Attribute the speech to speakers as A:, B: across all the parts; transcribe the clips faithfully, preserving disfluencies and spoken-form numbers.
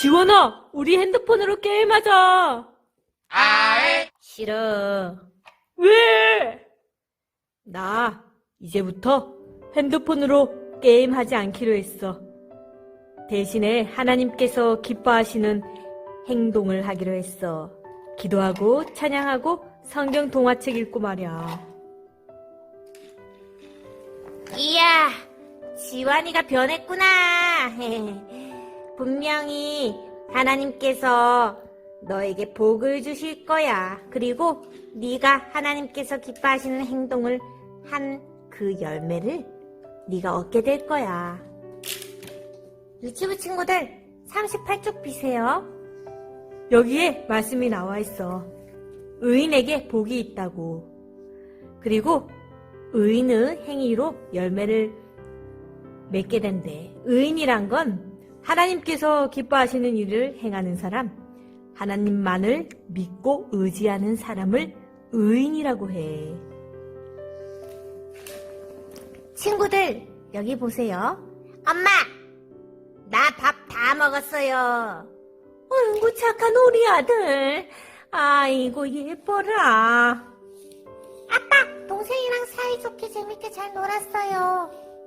A: 지원아, 우리 핸드폰으로 게임하자.
B: 아이,
C: 싫어.
A: 왜? 나 이제부터 핸드폰으로 게임하지 않기로 했어. 대신에 하나님께서 기뻐하시는 행동을 하기로 했어. 기도하고 찬양하고 성경 동화책 읽고 말이야.
C: 이야, 지환이가 변했구나. 분명히 하나님께서 너에게 복을 주실 거야. 그리고 네가 하나님께서 기뻐하시는 행동을 한 그 열매를 네가 얻게 될 거야. 유치부 친구들, 삼십팔 쪽 비세요.
A: 여기에 말씀이 나와 있어. 의인에게 복이 있다고. 그리고 의인의 행위로 열매를 맺게 된대. 의인이란 건 하나님께서 기뻐하시는 일을 행하는 사람, 하나님만을 믿고 의지하는 사람을 의인이라고 해.
C: 친구들, 여기 보세요. 엄마, 나 밥 다 먹었어요.
A: 아이고 착한 우리 아들. 아이고 예뻐라.
C: 아빠, 동생이랑 사이좋게 재밌게 잘 놀았어요.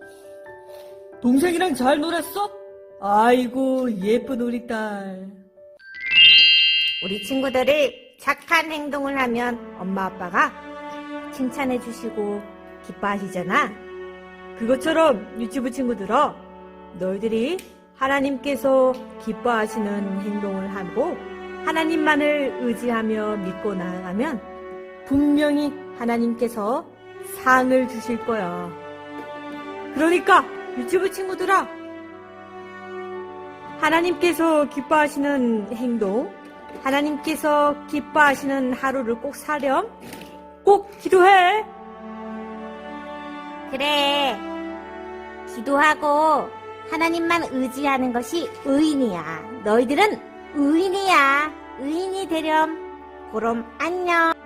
A: 동생이랑 잘 놀았어? 아이고 예쁜 우리 딸.
C: 우리 친구들이 착한 행동을 하면 엄마 아빠가 칭찬해 주시고 기뻐하시잖아.
A: 그것처럼 유치부 친구들아, 너희들이 하나님께서 기뻐하시는 행동을 하고 하나님만을 의지하며 믿고 나아가면 분명히 하나님께서 상을 주실 거야. 그러니까 유치부 친구들아, 하나님께서 기뻐하시는 행동, 하나님께서 기뻐하시는 하루를 꼭 사렴. 꼭 기도해.
C: 그래, 기도하고 하나님만 의지하는 것이 의인이야. 너희들은 의인이야. 의인이 되렴. 그럼 안녕.